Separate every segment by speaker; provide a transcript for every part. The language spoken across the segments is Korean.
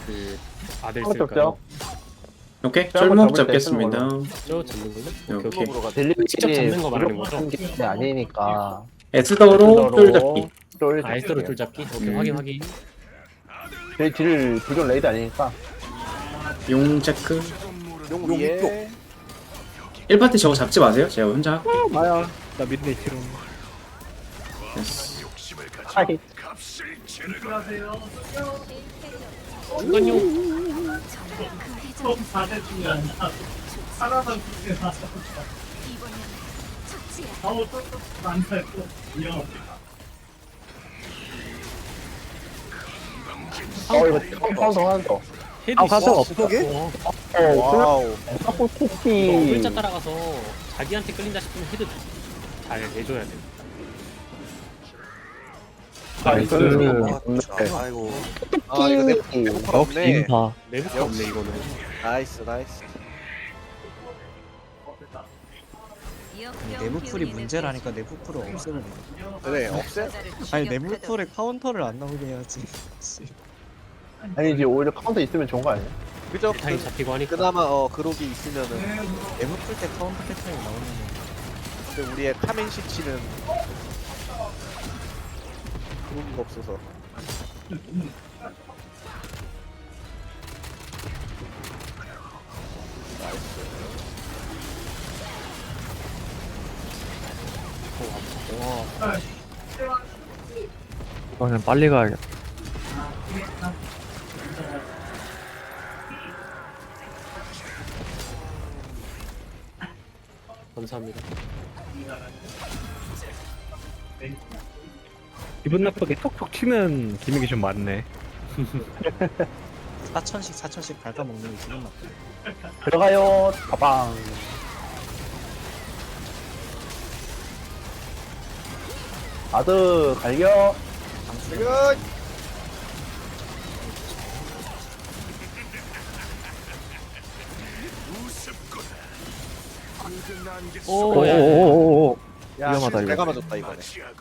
Speaker 1: 그 아들
Speaker 2: 한번
Speaker 1: 쓸까요?
Speaker 3: 오케이,
Speaker 2: 짤 한번
Speaker 3: 쫄목
Speaker 2: 잡을 때
Speaker 3: 잡겠습니다.
Speaker 1: 저 잡는 걸로? 오케이 오케이.
Speaker 3: 오케이.
Speaker 2: 델리비
Speaker 1: 직접 잡는 거 말하는 거죠?
Speaker 2: 게 아니니까
Speaker 3: 에스더로 쫄 잡기.
Speaker 2: 쫄
Speaker 1: 아이스로 줄 잡기? 오케이 확인 확인.
Speaker 2: 저희 딜 불경 레이드 아니니까
Speaker 3: 용 체크.
Speaker 4: 용 위에
Speaker 3: 1파티 저거 잡지 마세요. 제가 혼자 할게.
Speaker 2: 마야
Speaker 1: 나 미드네 티로.
Speaker 3: 됐어.
Speaker 2: 하이
Speaker 1: 중간용.
Speaker 2: 이거 카운터 하나 더
Speaker 1: 헤드
Speaker 4: 가서
Speaker 1: 있어.
Speaker 4: 없어게?
Speaker 2: 와우
Speaker 1: 이거
Speaker 2: 토끼
Speaker 1: 글자 따라가서 자기한테 끌린다 싶으면 헤드 잘 해줘야 돼.
Speaker 2: 나이스
Speaker 4: 아이고. 아 이거 내 배고파 없네.
Speaker 1: 내부가 없네 이거는.
Speaker 4: 나이스 나이스.
Speaker 5: 내부풀이 문제라니까 내부풀을 없애면 돼.
Speaker 4: 그래 없애?
Speaker 5: 아니 내부풀에 카운터를 안 나오게 해야지. 씨.
Speaker 2: 아니지 오히려 카운터 있으면 좋은 거 아니야?
Speaker 4: 그죠?
Speaker 1: 타임 잡히고 하니까.
Speaker 4: 그나마 그록이 있으면은.
Speaker 5: 내부풀 때 카운터 패턴이 나오면
Speaker 4: 근데 우리의 카멘시치는 그록이가 없어서.
Speaker 6: 이거는 빨리 가야겠다.
Speaker 1: 감사합니다.
Speaker 6: 기분 나쁘게 톡톡 치는 기믹이 좀 많네.
Speaker 5: 4천씩 갉아먹는 게 기분 나빠.
Speaker 2: 들어가요 빠방 아드 갈겨
Speaker 4: 지금
Speaker 6: 오오오오오.
Speaker 4: 야
Speaker 6: 위험하다, 이거.
Speaker 4: 내가 맞았다 이번에.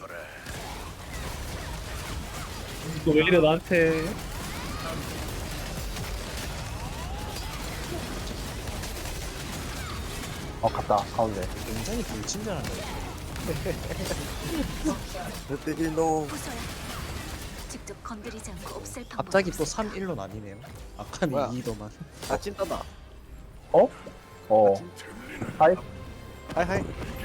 Speaker 6: 이거 왜 이래 나한테?
Speaker 2: 갔다 가운데
Speaker 5: 굉장히 불친절한다.
Speaker 4: 그때 너
Speaker 7: 직접 건드리지 않고 없앨 방법.
Speaker 5: 갑자기 또 3-1로 나뉘네요. 아까는
Speaker 4: 뭐야?
Speaker 5: 2더만.
Speaker 4: 아 찐따다.
Speaker 2: 하이
Speaker 4: 하이하이.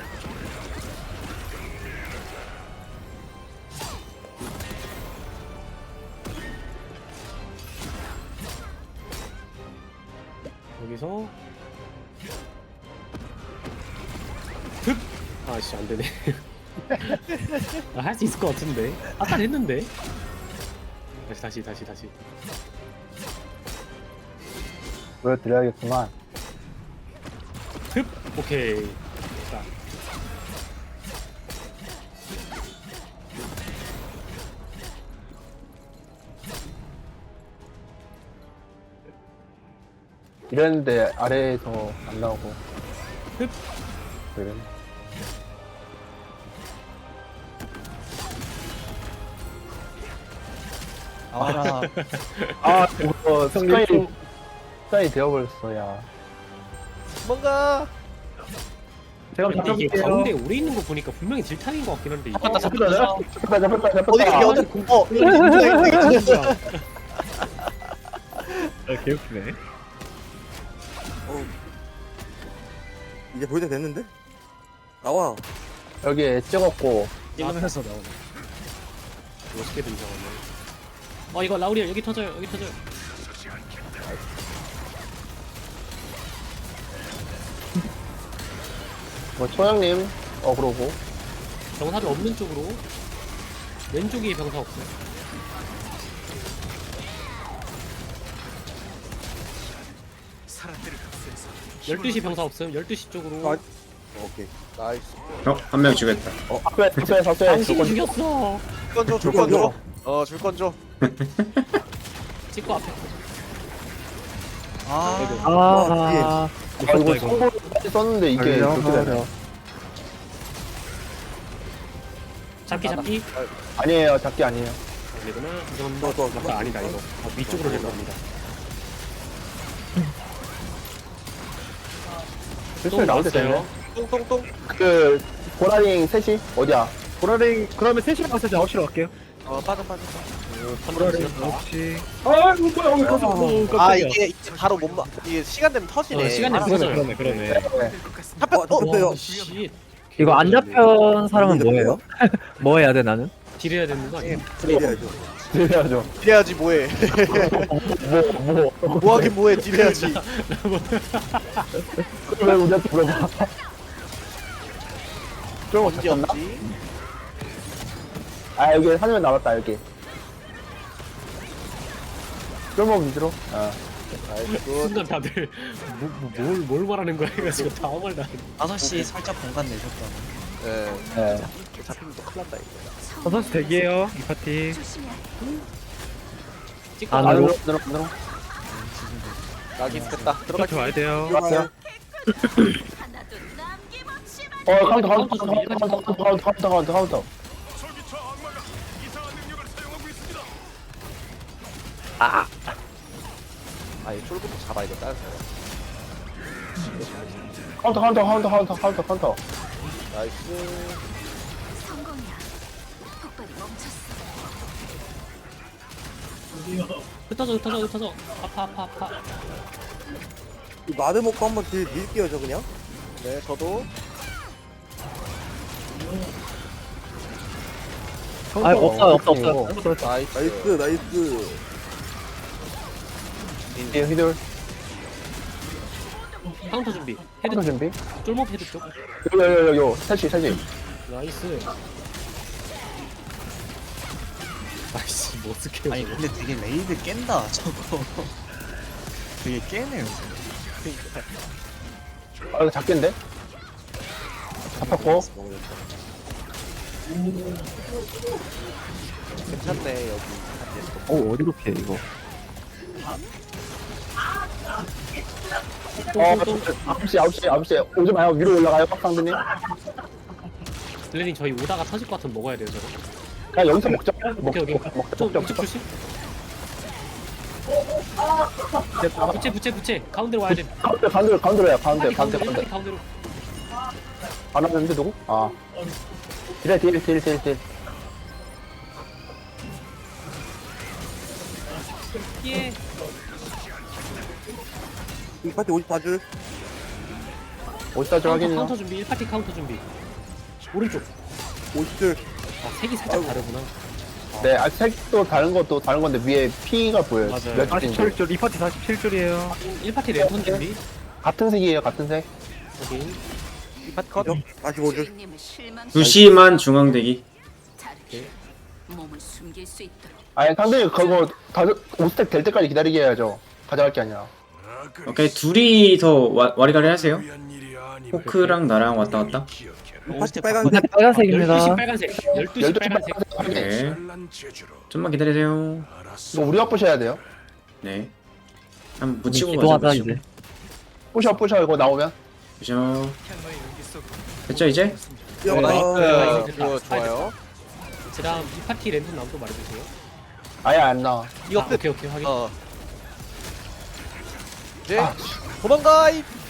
Speaker 1: 여기서 흡! 아씨 안되네. 할 수 있을 것 같은데. 아까 했는데. 다시.
Speaker 2: 보여드려야겠구만
Speaker 1: 흡! 오케이. 자,
Speaker 2: 이랬는데 아래에서 안 나오고
Speaker 1: 흡!
Speaker 2: 그래
Speaker 5: 아라.
Speaker 2: 이거 습관이 되어버렸어 야
Speaker 4: 뭔가
Speaker 2: 제가
Speaker 1: 근데 이게
Speaker 2: 잡혀볼게요
Speaker 1: 가운데 오래 있는 거 보니까 분명히 딜타임인 것 같긴 한데. 이거
Speaker 2: 잡혔다
Speaker 4: 어디
Speaker 1: 진짜.
Speaker 6: 개웃기네.
Speaker 8: 이제 볼 때 됐는데? 나와.
Speaker 2: 여기에 찍었고
Speaker 5: 이러면서 나오네.
Speaker 1: 멋있게 등장하네. 이거 라우리엘 여기 터져요. 여기 터져요.
Speaker 2: 초영님 그러고
Speaker 1: 병사들 없는 쪽으로. 왼쪽이 병사 없어요. 열두 시 병사 없음. 12시 쪽으로.
Speaker 8: 아, 오케이.
Speaker 4: 나이스.
Speaker 3: 한 명 죽였다.
Speaker 2: 앞에
Speaker 1: 당신이 죽였어.
Speaker 4: 줄건 줘. 줄건 줘.
Speaker 1: 찍고 앞에.
Speaker 5: 아.
Speaker 2: 이거 성공을 썼는데 이게 그렇게 되네
Speaker 1: 잡기.
Speaker 2: 아니에요 잡기 아니에요
Speaker 1: 아니구나. 죄송합니다. 아까 아니다 이거. 위쪽으로 내려갑니다.
Speaker 2: 슬슬 나올 때 됐네.
Speaker 1: 나왔어요.
Speaker 4: 똥똥똥.
Speaker 2: 그 보라링 셋이 어디야?
Speaker 6: 보라링 그러면 3시간 가서 9시로 갈게요.
Speaker 4: 빠져.
Speaker 6: 보라링 9시. 아 이거 뭐야 오늘 가서
Speaker 4: 아 이게 바로 못 막. 이게 시간 되면 터지네.
Speaker 1: 시간 되면 터져요.
Speaker 6: 그러네.
Speaker 4: 잡혔.
Speaker 8: 잡혀요.
Speaker 1: 씨.
Speaker 6: 이거 안 잡힌 사람은 뭐예요? 뭐 해야 돼 나는?
Speaker 1: 딜해야 되는 거 아니야?
Speaker 8: 딜해야죠.
Speaker 2: 들려야죠.
Speaker 4: 딜해야지 뭐해. 뭐하긴 뭐해 딜해야지.
Speaker 2: 왜 우리한테 물어봐? 좀
Speaker 4: 언제
Speaker 2: 잡혔나?
Speaker 4: 없지?
Speaker 2: 아 여기 한명 남았다 여기. 쫄목 위주로. 아.
Speaker 1: 순간 다들 뭘 말하는 거야 해가지고 당황을 나.
Speaker 5: 5시 살짝 공간 내줬다.
Speaker 4: 예.
Speaker 2: 네.
Speaker 4: 잡히면 또 큰일 난다 이거.
Speaker 6: 6시 대기해요 이 파티.
Speaker 7: 조심해야 해.
Speaker 1: 찍고
Speaker 2: 안으로
Speaker 1: 나가요.
Speaker 2: 안으로.
Speaker 4: 낙인 됐다.
Speaker 6: 파티
Speaker 4: 들어갈게.
Speaker 6: 와야 돼요.
Speaker 2: 왔어요.
Speaker 7: 하나도 남김없이 말.
Speaker 2: 카운터.
Speaker 4: 아이 쫄부터 잡아야겠다.
Speaker 2: 카운터.
Speaker 4: 나이스.
Speaker 7: 성공이야. 폭발이 멈췄어.
Speaker 1: 흩어져. 아파.
Speaker 8: 이 마드 먹고 한번 딜 밀게요 저 그냥.
Speaker 4: 네 저도.
Speaker 6: 아 없어.
Speaker 4: 나이스.
Speaker 8: 나이스.
Speaker 2: 휘돌.
Speaker 1: 카운터 준비.
Speaker 2: 헤드
Speaker 1: 헤드
Speaker 2: 준비.
Speaker 1: 쫄목 헤드 쪽.
Speaker 2: 요. 셋이.
Speaker 1: 나이스. 아이씨 뭐 어떻게
Speaker 5: 아니 근데 되게 레이드 깬다 저거. 되게 깨네요.
Speaker 2: 아 이거 작겠는데? 잡혔고.
Speaker 4: 괜찮네 여기.
Speaker 6: 어디로 피해 이거?
Speaker 2: 어 9시 오지 마요. 위로 올라가요 빡상드님.
Speaker 1: 블레님 저희 오다가 터질 것 같으면 먹어야 돼요 저거.
Speaker 2: 그냥 여기서 먹자.
Speaker 1: 오케이. 좀
Speaker 2: 먹자.
Speaker 1: 우측 조심. 부채 가운데로 와야 돼.
Speaker 2: 가운데로 해요. 가운데.
Speaker 1: 가운데로.
Speaker 2: 안 왔는데 누구? 아. 딜.
Speaker 1: 예.
Speaker 8: 이 파티 54줄.
Speaker 2: 어디다 좀 확인해요.
Speaker 1: 카운터 준비. 1파티 카운터 준비. 오른쪽.
Speaker 8: 50줄.
Speaker 1: 아 색이 살짝 다르구나.
Speaker 2: 네, 색도 다른 건데 위에 P가 보여요.
Speaker 1: 맞아요.
Speaker 2: 몇 줄인지.
Speaker 6: 47줄 이 파티 47줄이에요.
Speaker 1: 1파티 랜턴 준비.
Speaker 2: 같은 색이에요. 같은 색.
Speaker 1: 확인.
Speaker 4: 이 파트 컷.
Speaker 8: 45줄.
Speaker 7: 주인님을 실망.
Speaker 3: 2시만 중앙 대기.
Speaker 7: 다르게 몸을 숨길 수 있도록.
Speaker 2: 아니, 상대님 그거 5스택 될 때까지 기다리게 해야죠. 가져갈 게 아니라.
Speaker 3: 오케이 둘이서 와리가리 하세요. 포크랑 나랑 왔다 갔다.
Speaker 8: 이 파티 빨간색.
Speaker 6: 빨간색입니다.
Speaker 1: 12시 빨간색. 12시 빨간색.
Speaker 3: 네. 좀만 기다리세요.
Speaker 2: 이거 우리가 부셔야 돼요.
Speaker 3: 네. 한번 묻히고
Speaker 6: 기도하자
Speaker 3: 가자.
Speaker 6: 이제.
Speaker 2: 부셔 이거 나오면.
Speaker 3: 그죠. 됐죠 이제?
Speaker 4: 나이스. 이거 좋아요.
Speaker 1: 그다음 2파티 랜턴 나오면 또 말해주세요.
Speaker 2: 아예 안 나와.
Speaker 4: 이거 끝.
Speaker 1: 오케이 확인.
Speaker 4: 네. 도망가.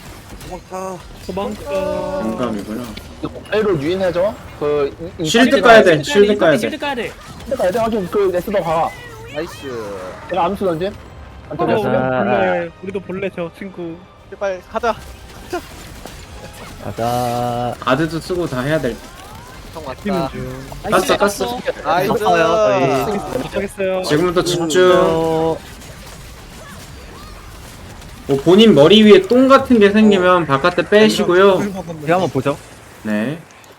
Speaker 8: 도망가.
Speaker 3: 공감이구나.
Speaker 2: 이거 A로 유인해줘.
Speaker 3: 쉴드 까야 돼. 쉴드 까야 돼.
Speaker 1: 쉴드 까야 돼.
Speaker 2: 가야 돼. 확인. 그 에스더 가.
Speaker 4: 나이스.
Speaker 2: 내가 암수 던짐. 안
Speaker 6: 우리도
Speaker 2: 던졌으면.
Speaker 6: 볼래. 우리도 볼래 저 친구.
Speaker 4: 빨리 가자.
Speaker 6: 가자.
Speaker 3: 아드도 쓰고 다 해야 될.
Speaker 4: 형
Speaker 6: 뛰는
Speaker 4: 왔다.
Speaker 6: 중.
Speaker 3: 깠어.
Speaker 4: 나이스.
Speaker 6: 도착했어요.
Speaker 3: 지금부터 집중.
Speaker 6: 어,
Speaker 3: 뭐 본인 머리 위에 똥 같은 게 생기면 바깥에 빼시고요.
Speaker 6: 이거 한번 보죠.
Speaker 3: 네.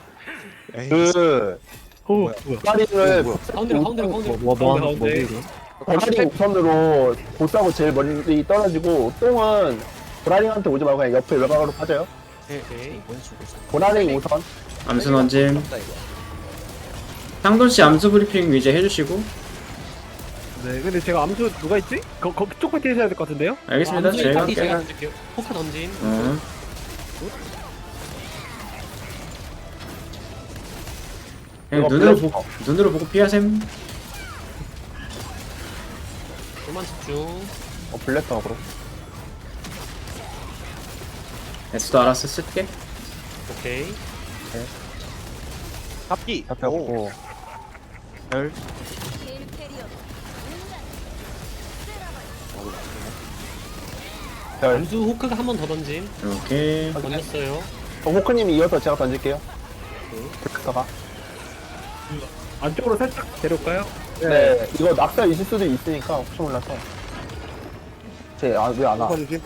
Speaker 2: 그
Speaker 6: 뭐야?
Speaker 2: 파리를
Speaker 1: 가운데로.
Speaker 6: 가운데.
Speaker 2: 보라링 우선으로 보스하고 제일 멀리 떨어지고 똥은 보라링한테 오지 말고 그냥 옆에 외곽으로 빠져요.
Speaker 1: 오케이.
Speaker 2: 보라링 우선.
Speaker 3: 암수 던짐. 상돈 씨 암수 브리핑 이제 해주시고.
Speaker 6: 네, 근데 제가 암수 누가 있지? 그쪽 파티 해줘야 될 것 같은데요?
Speaker 3: 알겠습니다. 제가
Speaker 1: 파티 제가
Speaker 3: 할게요.
Speaker 1: 던질게요. 포크 던짐.
Speaker 3: 그냥
Speaker 2: 이거
Speaker 3: 눈으로 보고 피하셈.
Speaker 1: 그만 집중.
Speaker 2: 블랙하고.
Speaker 3: S도 알아서 쓸게.
Speaker 1: 오케이.
Speaker 5: 잡기.
Speaker 2: 잡혔고.
Speaker 5: 별.
Speaker 2: 별.
Speaker 1: 암수 호크가 한 번 더 던짐.
Speaker 3: 이렇게.
Speaker 1: 던졌어요.
Speaker 2: 호크님이 이어서 제가 던질게요. 블랙터가.
Speaker 6: 안쪽으로 살짝 데려올까요?
Speaker 2: 네. 이거 낙사 있을 수도 있으니까 혹시 몰라서. 쟤, 왜 안 와?
Speaker 8: 조심.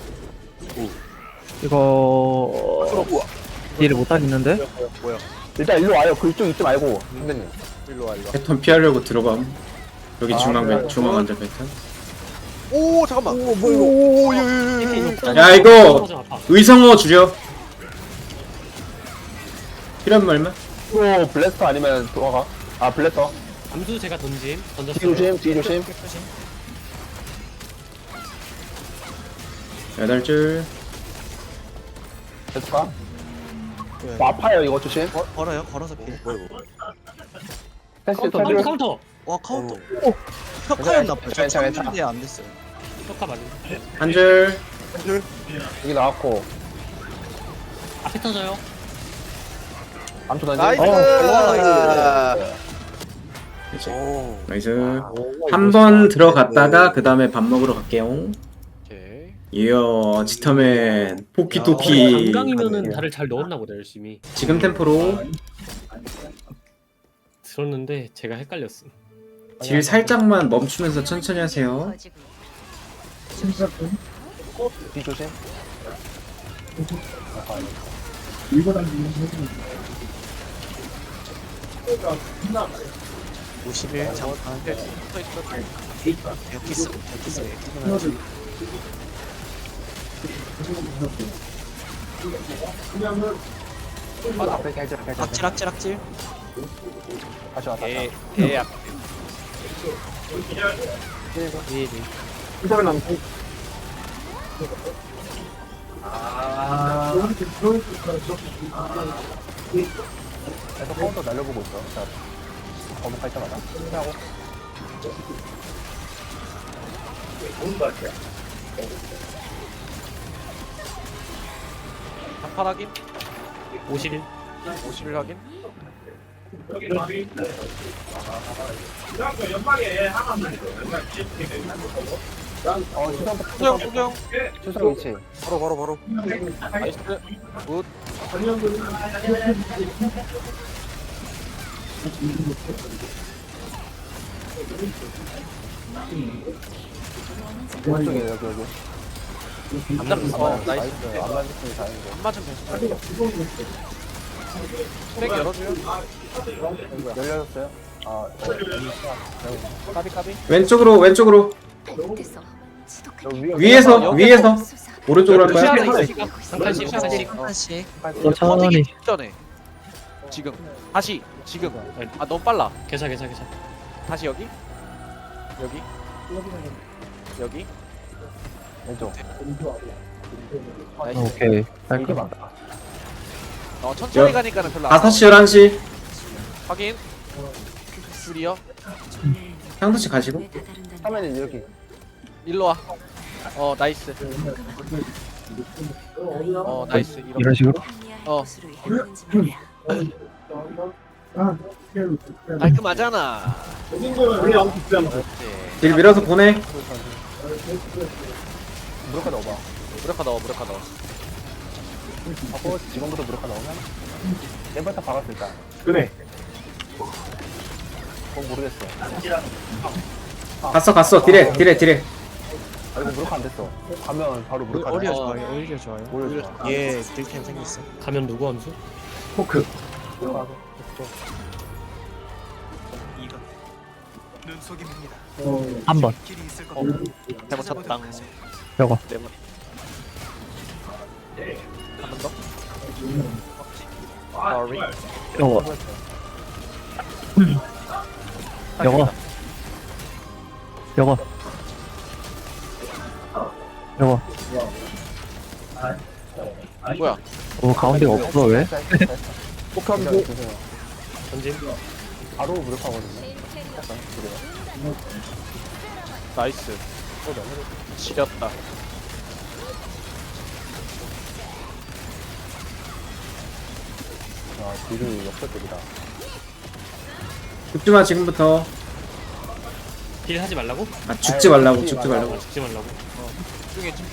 Speaker 6: 이거 딜을 못 하겠는데?
Speaker 2: 일단 일로 와요. 그쪽 있지 말고. 선배님.
Speaker 8: 일로 와, 일로 와.
Speaker 3: 패턴 피하려고 들어감. 여기 중앙
Speaker 2: 그래요?
Speaker 3: 중앙 앉아 패턴.
Speaker 5: 오 잠깐만.
Speaker 8: 오, 뭐 이거.
Speaker 3: 야, 이거!
Speaker 1: 아파.
Speaker 3: 의성어 줄여. 필요한 말만.
Speaker 2: 또 블래스터 아니면 도화가? 아, 블래스터.
Speaker 1: 암수 제가 던짐.
Speaker 2: 뒤
Speaker 1: 던졌어요.
Speaker 2: 조심, 뒤 조심.
Speaker 3: 8줄.
Speaker 2: 됐을까? 아파요, 이거 조심.
Speaker 5: 걸어요. 걸어서 피해.
Speaker 2: 패스,
Speaker 1: 카운터,
Speaker 2: 패스.
Speaker 1: 카운터.
Speaker 5: 와 카운터. 혁하였나 봐. 저
Speaker 2: 괜찮아, 괜찮아.
Speaker 5: 참는데 안 됐어요.
Speaker 1: 혁카 맞은.
Speaker 3: 한 줄.
Speaker 2: 여기 나왔고.
Speaker 1: 앞에 터져요.
Speaker 2: 암초 던지.
Speaker 8: 나이스!
Speaker 3: 이제.
Speaker 8: 오.
Speaker 3: 나이스. 한 번 들어갔다가 그 다음에 밥 먹으러 갈게요.
Speaker 8: 오케이.
Speaker 3: 이야, 지터맨 포키토키.
Speaker 1: 강강이면은 달을 잘 넣었나 보다 열심히.
Speaker 3: 지금 템포로
Speaker 1: 들었는데 제가 헷갈렸음.
Speaker 3: 딜 살짝만 멈추면서 천천히 하세요.
Speaker 2: 뒤 조심.
Speaker 5: 51 잠깐. 여기 있어. 여기 있어.
Speaker 2: 앞에 해줘, 해줘.
Speaker 5: 악질.
Speaker 2: 다시 와, 다시 와.
Speaker 8: 대약.
Speaker 2: 이사람 남고. 계속 카운터 날려보고 있어. 자, 거북할 때마다. 하고.
Speaker 8: 한판 확인.
Speaker 1: 51.
Speaker 8: 51 확인.
Speaker 2: 수성, 수성 위치.
Speaker 8: 바로. 나이스. 굿.
Speaker 2: 오른쪽에 여기.
Speaker 8: 안 잡혔어. 나이스.
Speaker 2: 안 맞았으니 다행이고.
Speaker 8: 안 맞으면 됐어. 트랙 열어줘요.
Speaker 2: 열렸어요? 까비.
Speaker 3: 왼쪽으로.
Speaker 7: 됐어. 지독한
Speaker 3: 위에서
Speaker 7: 수사.
Speaker 3: 오른쪽으로 할 거야.
Speaker 1: 한 칸씩.
Speaker 5: 하나씩.
Speaker 8: 터지기 직전에. 지금. 다시. 지금. 아 너무 빨라.
Speaker 1: 계좌.
Speaker 8: 다시 여기. 여기.
Speaker 2: 왼쪽.
Speaker 8: 나이스.
Speaker 6: 오케이.
Speaker 2: 이게 맞다.
Speaker 8: 천천히 가니까는 별로 안
Speaker 3: 5시 11시
Speaker 8: 확인. 줄이요.
Speaker 3: 향도씨 가시고.
Speaker 7: 왜 다다른다는
Speaker 2: 화면은 여기.
Speaker 8: 일로 와. 나이스. 나이스.
Speaker 6: 이런 식으로?
Speaker 7: 항의할
Speaker 8: 어.
Speaker 7: 곳으로 향하는지 말이야.
Speaker 8: 깔끔하잖아.
Speaker 3: 딜 밀어서 보내.
Speaker 2: 무력화 넣어봐.
Speaker 8: 무력화 넣어.
Speaker 2: 하고 지금부터 무력화 넣으면 내부터 박았을 때.
Speaker 6: 그래.
Speaker 2: 그건 모르겠어.
Speaker 3: 갔어. 딜해.
Speaker 2: 아 이거 무력화 안 됐어. 가면 바로 무력화.
Speaker 5: 오히려 좋아요.
Speaker 2: 오히려 좋아.
Speaker 5: 얘 딜템 생겼어.
Speaker 1: 가면 누구 암수?
Speaker 6: 포크. 한 번.
Speaker 8: 잘못 쳤다.
Speaker 6: 저거.
Speaker 8: 한 번 더. Sorry.
Speaker 6: 저거.
Speaker 8: 뭐야?
Speaker 6: 가운데가 없어 왜?
Speaker 2: 폭탄도
Speaker 1: 던짐.
Speaker 2: 바로 무력화거든요.
Speaker 8: 나이스. 지렸다.
Speaker 2: 아, 딜이 역설적이다.
Speaker 3: 죽지마 지금부터.
Speaker 1: 딜 하지 말라고?
Speaker 3: 아 죽지 말라고
Speaker 2: 죽지
Speaker 3: 죽지
Speaker 2: 말라고.
Speaker 3: 말라고.
Speaker 1: 죽지 말라고.
Speaker 8: 집중해 집중.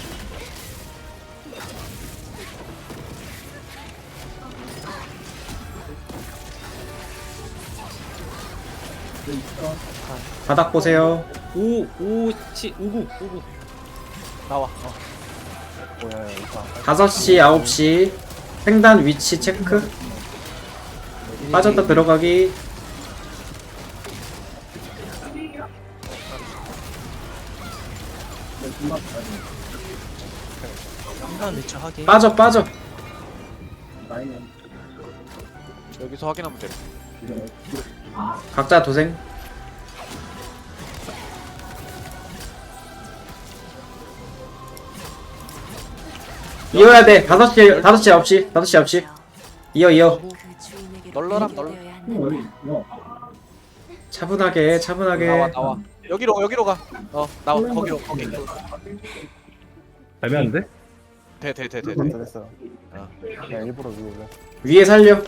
Speaker 3: 바닥 보세요.
Speaker 1: 59.
Speaker 8: 나와.
Speaker 2: 뭐야, 이거.
Speaker 3: 5시 9시 횡단 위치 체크. 빠졌다 들어가기.
Speaker 5: 한번 미쳐 하기.
Speaker 3: 빠져 빠져.
Speaker 8: 여기서 확인하면 돼.
Speaker 3: 각자 도생. 이어야 돼. 5시 9시 9시 이어.
Speaker 7: 그 주인에게
Speaker 8: 널널함, 널-
Speaker 3: 차분하게 차분하게.
Speaker 8: 나와. 여기로 가. 나와. 거기.
Speaker 6: 애매한데?
Speaker 8: 돼.
Speaker 2: 됐어. 야, 일부러 위에 올려.
Speaker 3: 위에 살려.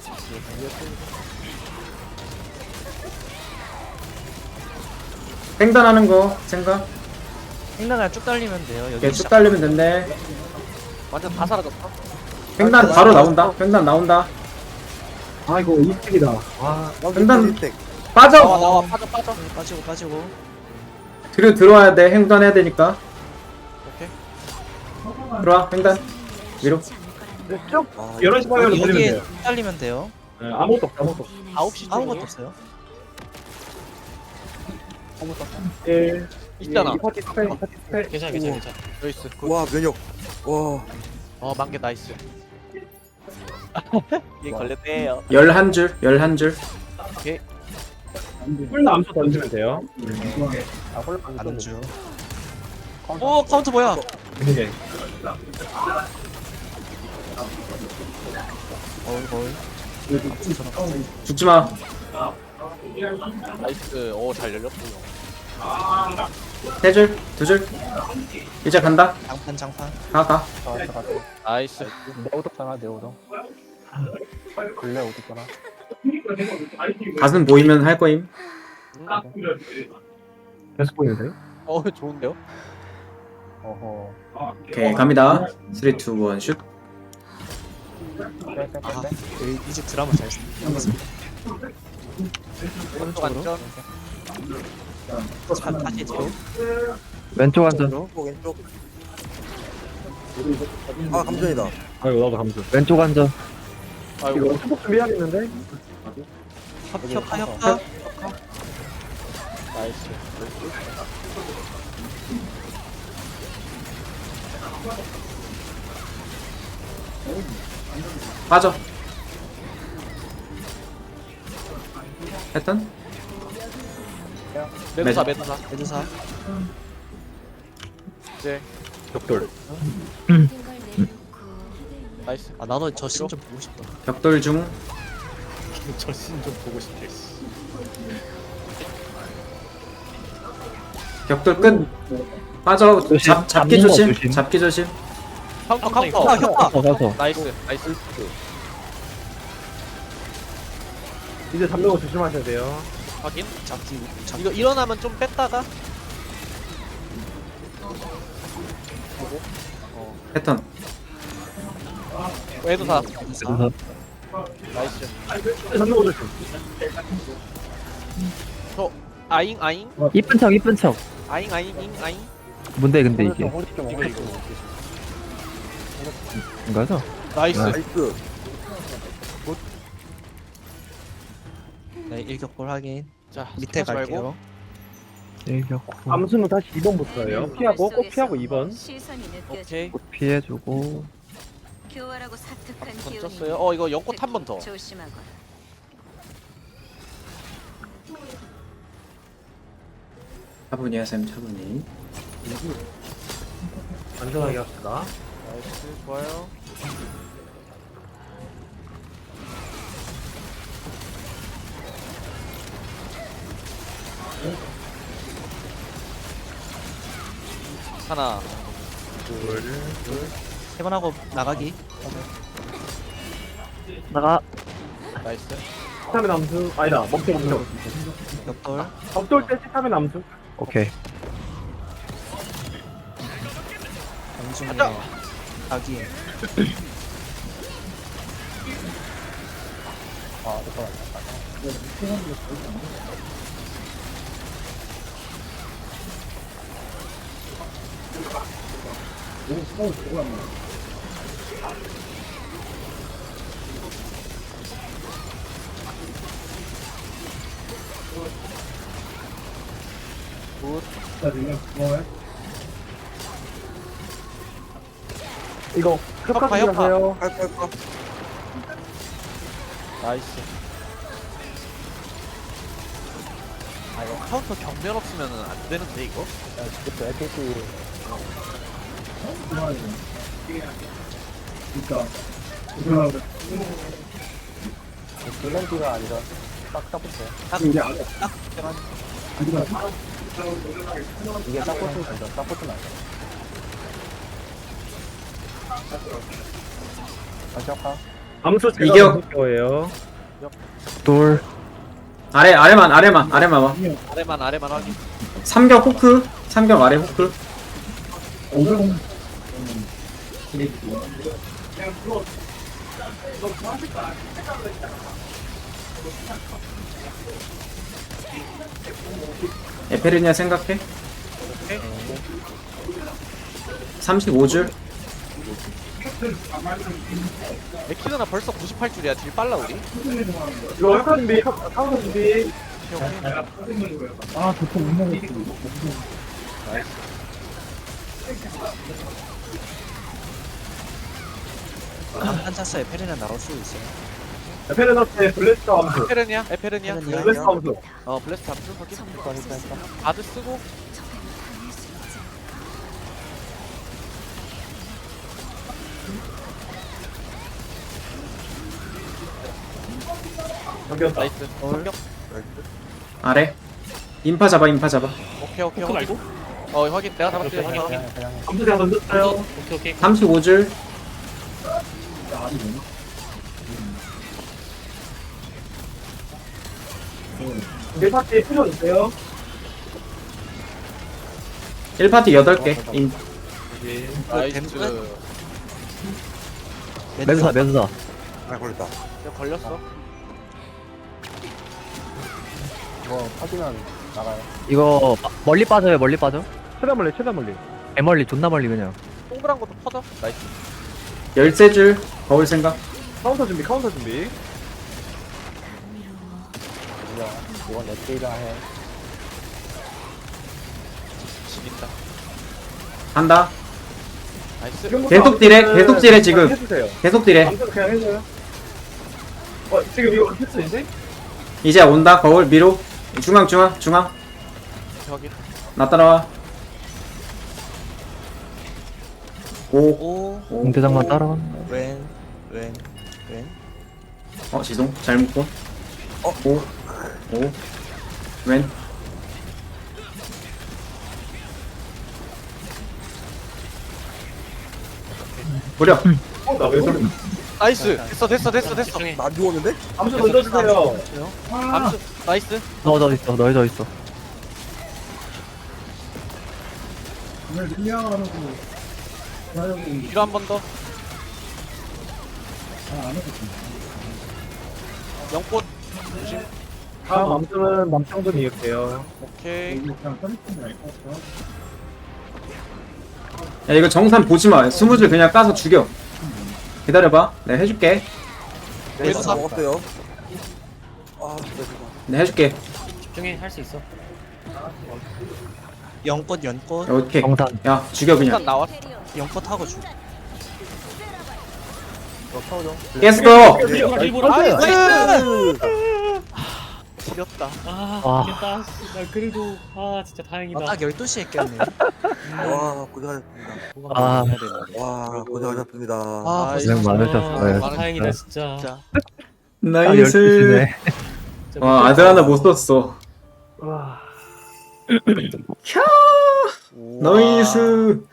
Speaker 3: 횡단하는 거 생각.
Speaker 5: 횡단 그냥 쭉 달리면 돼요. 여기
Speaker 3: 이렇게 쭉 달리면 된대.
Speaker 8: 완전 다 사라졌다.
Speaker 3: 횡단 바로 나온다. 횡단 나온다.
Speaker 6: 아 이거 이스택이다. 아
Speaker 3: 횡단
Speaker 4: 땡.
Speaker 3: 빠져.
Speaker 8: 나와. 빠져.
Speaker 5: 빠지고.
Speaker 3: 뒤로 들어와야 돼. 횡단해야 되니까.
Speaker 8: 오케이.
Speaker 3: 들어와 횡단. 위로.
Speaker 6: 쭉
Speaker 4: 아,
Speaker 6: 11시 방향으로 돌리면
Speaker 5: 여기에
Speaker 6: 돼요.
Speaker 5: 쭉 달리면 돼요.
Speaker 6: 네, 아무것도 없어 아무것도 없어.
Speaker 8: 9시
Speaker 5: 아무것도 없어요.
Speaker 6: 예.
Speaker 8: 있잖아.
Speaker 6: 이 파티 스펠.
Speaker 1: 괜찮아.
Speaker 8: 여기 있어.
Speaker 4: 와 면역. 와.
Speaker 8: 만개 나이스. 얘 걸렸대요.
Speaker 3: 11줄.
Speaker 6: 풀나 암수 던지면 돼요.
Speaker 2: 아, 홀빵
Speaker 5: 안 주.
Speaker 8: 카운트 뭐야?
Speaker 6: 네.
Speaker 5: 거울.
Speaker 3: 죽지 마.
Speaker 8: 나이스. 잘 열렸고요.
Speaker 3: 3줄, 2줄. 이제 간다.
Speaker 5: 장판.
Speaker 3: 가.
Speaker 8: 나이스.
Speaker 2: 내 오덕잖아, 내 오덕. 근래 오덕잖아.
Speaker 3: 가슴 보이면 할 거임.
Speaker 6: 계속 보이는데요?
Speaker 8: 좋은데요?
Speaker 2: 어허.
Speaker 3: 오케이 갑니다. 3, 2, 1 슛.
Speaker 5: 아, 이제 드라마 잘 쓰.
Speaker 8: 오른쪽 안전.
Speaker 5: 다시 뒤로.
Speaker 6: 왼쪽 앉아.
Speaker 4: 왼쪽. 아 감전이다.
Speaker 6: 아이고 나도 감수. 왼쪽 앉아.
Speaker 8: 아이고.
Speaker 6: 이거 수복 준비해야겠는데?
Speaker 5: 협파.
Speaker 8: 나이스.
Speaker 3: 빠져. 했던?
Speaker 8: 매드사.
Speaker 5: 메두사.
Speaker 8: 이제
Speaker 6: 벽돌.
Speaker 8: 나이스.
Speaker 5: 아 나도 저 씬 좀 보고 싶다.
Speaker 3: 벽돌 중.
Speaker 1: 저씬 좀 보고 싶대.
Speaker 3: 벽돌 끝. 빠져. 잡기
Speaker 6: 잡는 거
Speaker 3: 조심.
Speaker 6: 조심.
Speaker 3: 잡기 조심.
Speaker 8: 카운터.
Speaker 5: 협파.
Speaker 6: 가서.
Speaker 8: 나이스.
Speaker 6: 이제 잡는 거 조심하셔야 돼요.
Speaker 8: 확인.
Speaker 5: 잡기.
Speaker 8: 이거 일어나면 좀 뺐다가.
Speaker 3: 패턴.
Speaker 8: 매드사.
Speaker 5: 메두사.
Speaker 8: 나이스.
Speaker 6: 잡는 거 조심.
Speaker 8: 아잉.
Speaker 9: 이쁜 척.
Speaker 8: 아잉.
Speaker 9: 뭔데 근데 이게
Speaker 2: 이거.
Speaker 9: 이거죠?
Speaker 8: 나이스.
Speaker 4: 나이스.
Speaker 5: 네, 일격골 확인.
Speaker 8: 자,
Speaker 5: 밑에
Speaker 8: 스킵하지 말고.
Speaker 5: 갈게요.
Speaker 9: 일격고
Speaker 6: 암수는 다시 2번부터예요. 피하고 꼭 피하고 2번.
Speaker 7: 시선이 느껴져.
Speaker 8: 오케이.
Speaker 9: 피해주고
Speaker 7: 교활하고 사특한 기운이
Speaker 8: 던졌어요. 이거 연꽃 한 번 더.
Speaker 7: 조심하거라.
Speaker 3: 차분히 하셈 차분히.
Speaker 6: 안전하게 합시다.
Speaker 8: 나이스. 좋아요. 하나.
Speaker 5: 세 번 하고 나가기.
Speaker 9: 나가
Speaker 8: 나이스.
Speaker 6: 치타면 암수. 아니다, 멈춰.
Speaker 5: 옆돌.
Speaker 6: 엎돌 때 치타면 암수.
Speaker 9: 오케이.
Speaker 5: 공중에 자기.
Speaker 6: 이거
Speaker 8: 협파,
Speaker 6: 협파
Speaker 8: 협파.
Speaker 6: 하세요.
Speaker 8: 나이스. 아 이거 카운터 경면 없으면은 안 되는데 이거?
Speaker 2: 그쵸, FP. 블렌디가 아니라 딱 붙어요. 이게 딱 붙으면 되죠. 딱 붙으면 안 돼. 안착하.
Speaker 6: 암수 제가
Speaker 3: 이겨.
Speaker 6: 암수 거예요.
Speaker 9: 돌.
Speaker 3: 아래만 와.
Speaker 8: 아래만 확인.
Speaker 3: 삼격 호크. 삼격 아래 호크. 에페르니아 생각해. 35줄.
Speaker 8: 에키드나 벌써 98줄이야. 딜 빨라 우리.
Speaker 6: 이거 협파 준비. 카운터 준비.
Speaker 5: 한 찼어요. 페리는 나올 수 있어요.
Speaker 6: 페르너스의 블레스터 암수.
Speaker 8: 에페르니아.
Speaker 6: 블레스터 암수.
Speaker 8: 블래스트 암수 확인. 바드 쓰고.
Speaker 7: 적에게 당할 수 있지
Speaker 6: 넘겼다.
Speaker 8: 나이스. 공격.
Speaker 3: 아래. 인파 잡아.
Speaker 8: 오케이.
Speaker 1: 호크 말고?
Speaker 8: 확인. 내가 잡았지. 확인.
Speaker 6: 암수 제가 던졌어요.
Speaker 1: 오케이.
Speaker 3: 35줄.
Speaker 6: 네 파티 필요 있어요?
Speaker 3: 1파티 8개.
Speaker 8: 나이스.
Speaker 9: 매수사, 매수사.
Speaker 4: 아 걸렸다.
Speaker 8: 내가 걸렸어.
Speaker 2: 뭐, 파지면 나가요.
Speaker 9: 이거 멀리 빠져요, 멀리 빠져.
Speaker 6: 최다 멀리, 최다 멀리.
Speaker 9: 애멀리, 존나 멀리 그냥.
Speaker 8: 동그란 것도 퍼져. 나이스.
Speaker 3: 13줄. 거울 생각.
Speaker 6: 카운터 준비, 카운터 준비.
Speaker 2: 이건 넷게이가 해.
Speaker 8: 지긴다.
Speaker 3: 한다.
Speaker 8: 나이스.
Speaker 3: 계속 딜해, 지금.
Speaker 6: 해주세요.
Speaker 3: 계속 딜해.
Speaker 6: 암수 그냥 해줘요. 지금 이거 필수인데?
Speaker 3: 이제 온다. 거울 미로. 중앙.
Speaker 8: 확인.
Speaker 3: 나 따라와. 5.
Speaker 5: 5.
Speaker 9: 공대장만 따라간다.
Speaker 5: 왼.
Speaker 3: 지송. 잘 묶고. 5. 왼. 무려.
Speaker 6: 나왜 그래?
Speaker 8: 나이스. 됐어.
Speaker 1: 집중해.
Speaker 4: 나 안 죽었는데?
Speaker 6: 암수 던져주세요.
Speaker 8: 암수. 나이스.
Speaker 9: 넣어져 있어, 넣어져 있어.
Speaker 8: 뒤로 한 번 더. 영꽃. 조심.
Speaker 6: 다음 암수는 맘청돈 이을게요.
Speaker 8: 오케이.
Speaker 3: 야, 이거 정산 보지마. 20줄 그냥 까서 죽여. 기다려봐. 내가 해줄게.
Speaker 4: 네, 다 먹었어요. 아 진짜 죄송.
Speaker 3: 내가 해줄게.
Speaker 1: 집중해. 할 수 있어.
Speaker 5: 연꽃.
Speaker 3: 오케이.
Speaker 9: 정산.
Speaker 3: 야, 죽여 그냥.
Speaker 8: 일단 나왔어.
Speaker 5: 연꽃 하고 주.
Speaker 3: 깼어.
Speaker 1: 일부러.
Speaker 8: 나이스. 지렸다.
Speaker 9: 아.
Speaker 1: 이겼다. 나 그래도 진짜 다행이다.
Speaker 5: 딱 12시에 깼네.
Speaker 4: 와 고생하셨습니다.
Speaker 9: 아,
Speaker 4: 와 고생하셨습니다.
Speaker 9: 고생 많으셨어요.
Speaker 1: 다행이다 진짜.
Speaker 5: 진짜.
Speaker 3: 나이스.
Speaker 9: 12시네.
Speaker 1: 진짜
Speaker 3: 와, 아들 하나 못 썼어.
Speaker 6: 와.
Speaker 3: 나이스.